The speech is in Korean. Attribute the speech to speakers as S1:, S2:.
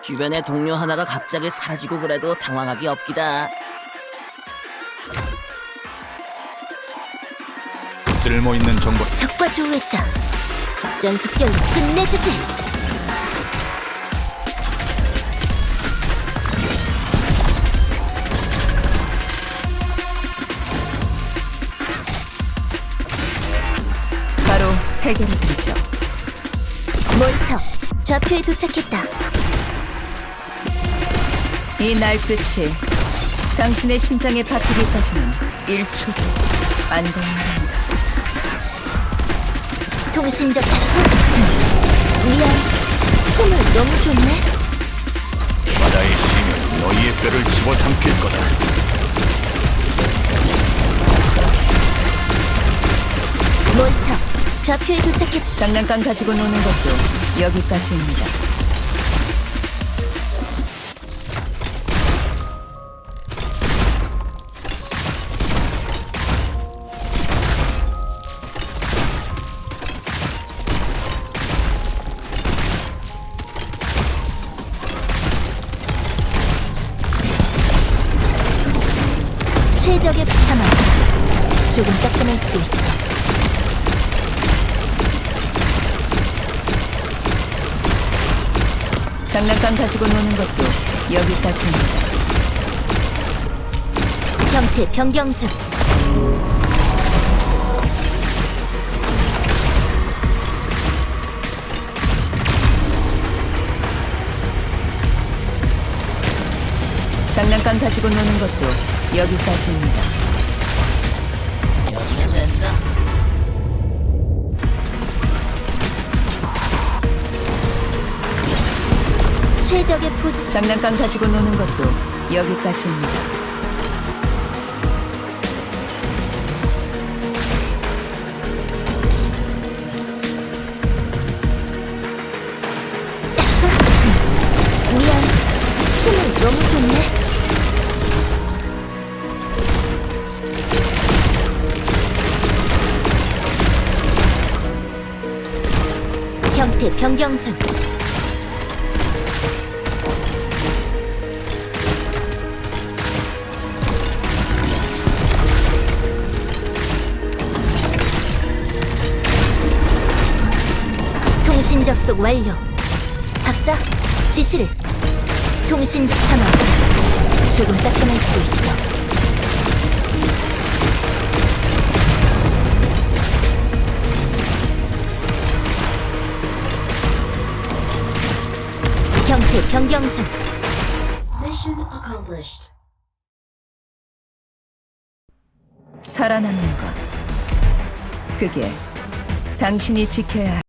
S1: 주변에 동료 하나가 갑자기 사라지고 그래도 당황하기 없기다.
S2: 쓸모있는 정보.
S3: 적과 조우했다. 속전속결로 끝내주지.
S4: 바로 해결해드리죠.
S3: 몬스터 좌표에 도착했다.
S4: 이 날끝이 당신의 심장에 박히기까지는 1초도 안 걸린답니다.
S3: 통신적 미안. 힘을 너무 줬네.
S2: 바다의 힘은 너희의 뼈를 집어삼킬 거다.
S3: 몬스터 좌표에 도착했다.
S4: 장난감 가지고 노는 것도 여기까지입니다.
S3: 최적의 참아. 조금 따끔할 수도 있어.
S4: 장난감 가지고 노는 것도 여기까지입니다.
S3: 형태 변경 중.
S4: 장난감 가지고 노는 것도 여기까지입니다.
S1: 됐어.
S3: 최적의 포즈.
S4: 장난감 가지고 노는 것도 여기까지입니다.
S3: 미안. 힘을 너무 줬네. 형태 변경 중. 통신 접속 완료. 박사, 지시를. 통신 참아. 조금 따끔할 수도 있어. 형태 변경 중.
S4: 살아남는 것. 그게 당신이 지켜야 할